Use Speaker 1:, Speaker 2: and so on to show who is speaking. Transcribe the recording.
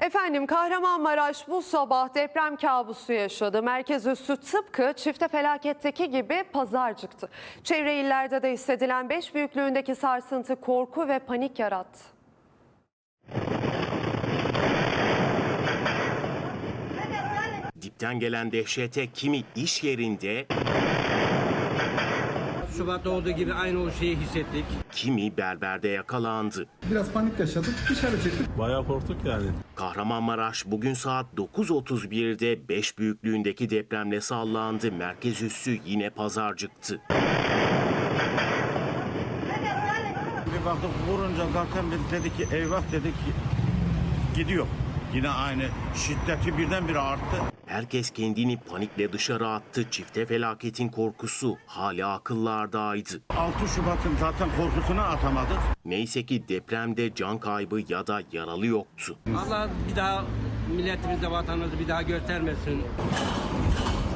Speaker 1: Efendim Kahramanmaraş bu sabah deprem kabusu yaşadı. Merkez üssü tıpkı çifte felaketteki gibi pazarcıktı. Çevre illerde de hissedilen 5 büyüklüğündeki sarsıntı korku ve panik yarattı.
Speaker 2: Dipten gelen dehşete kimi iş yerinde,
Speaker 3: Şubat'ta olduğu gibi aynı o şeyi hissettik.
Speaker 2: kimi berberde yakalandı.
Speaker 4: Biraz panik yaşadık, dışarı çıktık.
Speaker 5: Bayağı korktuk yani.
Speaker 2: Kahramanmaraş bugün saat 9.31'de 5 büyüklüğündeki depremle sallandı. Merkez üssü yine pazarcıktı.
Speaker 6: Bir baktık vurunca zaten biz dedik ki eyvah dedik gidiyor. Yine aynı şiddeti birdenbire arttı.
Speaker 2: Herkes kendini panikle dışarı attı. Çifte felaketin korkusu hala akıllardaydı.
Speaker 6: 6 Şubat'ın zaten korkusunu atamadık.
Speaker 2: Neyse ki depremde can kaybı ya da yaralı yoktu.
Speaker 3: Allah bir daha milletimize, vatanımızı bir daha göstermesin.